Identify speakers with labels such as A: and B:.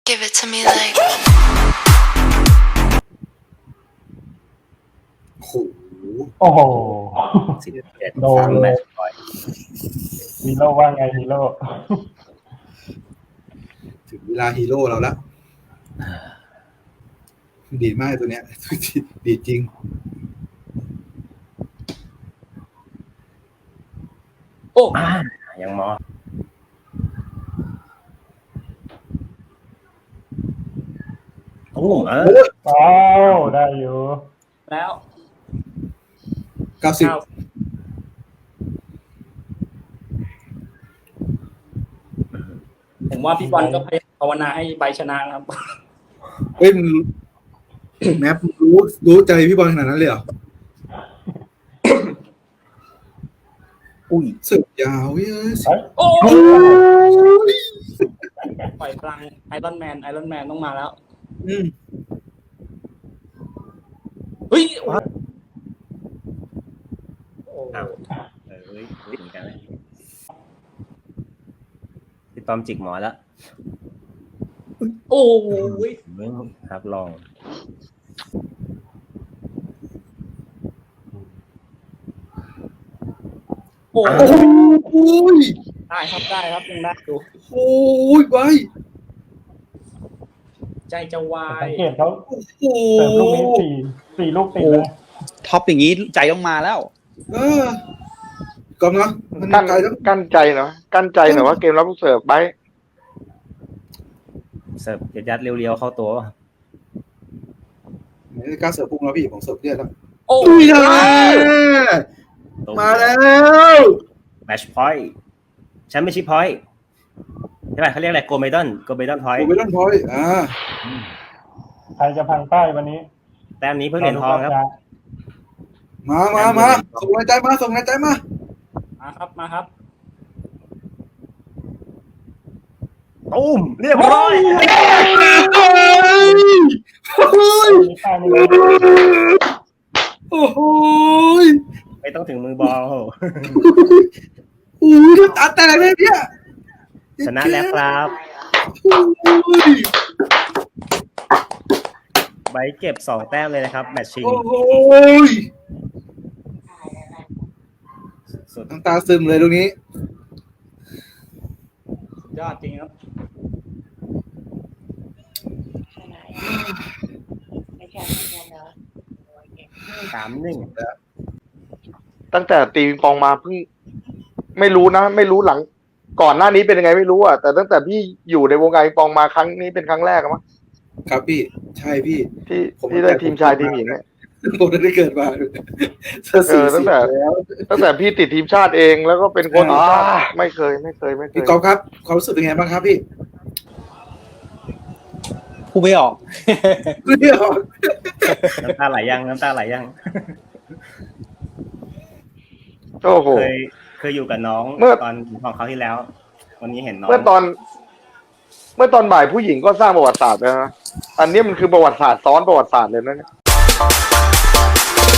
A: Give it to me like
B: โอ้โห
C: โอ้โห
D: 11
C: โดน
D: 3
C: เลย
D: แมตช์พอยต์
C: ฮีโร่ว่าไงฮีโร่
B: ถึงเวลาฮีโร่เราแล้วดีมากตัวเนี้ยดีจริง
E: โอ้
D: ยังมอโอ้เออ
C: อ้าวได้อยู่
E: แล้ว
B: 90
E: ผมว่าพี่บอลก็พยายามภาวนาให้ใบชนะครับ
B: เฮ้ยมึงแมปรู้ใจพี่บอลขนาดนั้นเลยเหรอ
D: อุ้ย
B: เสิร์ฟยาวเว้ย
C: เฮ้ย
E: โอ้
B: โอ้ย
E: ปล่อยพลังไอรอนแมนต้องมาแล้ว
B: อืม
E: เฮ้ยโอ้
D: อ้าวเฮ้ยเหมือนกันเลยพี่ต้อมจิกหมอแล้ว
E: โอ้ย
D: ครับลอง
E: โอ้
B: โอ้ย
E: ได้ครับยังได้อยู่
B: โอ้ยไป
E: ใจจะวา
C: สั
E: ย
C: งเกตเขา
B: โอ้โห
C: เสิร์ฟลูกนี้สี่ลูกติดเลย
F: ท็อปอย่างนี้ใจต้องมาแล้ว
B: กำลังมัน
G: กั้น
B: ไกลแล้ว
G: กั้นใจหน่อยกั้นใจหน่อยว่าเกมรับลูกเสิร์ฟไป
D: เสิร์ฟยัดเรียวๆเข้าตัว
B: ไม่กล้าเสิร์ฟพุ่งแล้วพี่ผมเสิร์ฟเรียบแล้ว
E: โอ้
B: อุ้ย
E: ย
B: มาแล้ว
D: แมชพอยต์แชมเปี้ยนชิพพอยต์ใช่ไหมเขาเรียกอะไรโกลเมดอนพอย
B: ผม
D: ต์
B: ไม่ต้องพอย
C: ใครจะพังป้ายวันนี้
D: แต้มนี้เพิ่งเหรียญทองครับ
B: มาส่งแรงใจมา
E: มาครับ
D: ตุ้มเรียบร้อย
C: มีป้ายไม่ได้
B: โอ้โห
D: ไม่ต้องถึงมือบอล
B: โอ้ยตาแตกเลยเนี่ย
D: ชนะแล้วครับ ใบเก็บ2 แต้มเลยนะครับแมตช์ชิง
B: โอ้โห
D: สุด
B: น้ำตาซึมเลยตรงนี้
E: ยอดจริงครับ
D: 3-1
G: ตั้งแต่ตีปิงปองมาเพิ่งไม่รู้นะ ไม่รู้หลัง ก่อนหน้านี้เป็นยังไงไม่รู้อ่ะแต่ตั้งแต่พี่อยู่ในวงการปิงปองมาครั้งนี้เป็นครั้งแรกมั้ง
B: ครับพี่ใช่พี่
G: ที่ได้ทีมชายทีมหญิงเนี่ย
B: ผมได้เกิดมาเสื้อสี
G: ตั้งแต่
B: แล้ว
G: ตั้งแต่พี่ติดทีมชาติเองแล้วก็เป็นคนทีมชาติไม่เคย
B: พี่กอล์ฟครับความรู้สึกเป็นไงบ้างครับพี่
F: พูดไม่ออก
B: เรียก
D: น้ำตาไหลยัง
G: โอ้โห
D: เคยอยู่กับน้อง
G: เมื่อ
D: ตอนของเขาที่แล้ว วันนี้เห็นน้อง
G: เมื่อตอนบ่ายผู้หญิงก็สร้างประวัติศาสตร์แล้วนะอันนี้มันคือประวัติศาสตร์ซ้อนประวัติศาสตร์เลยนะเนี่ย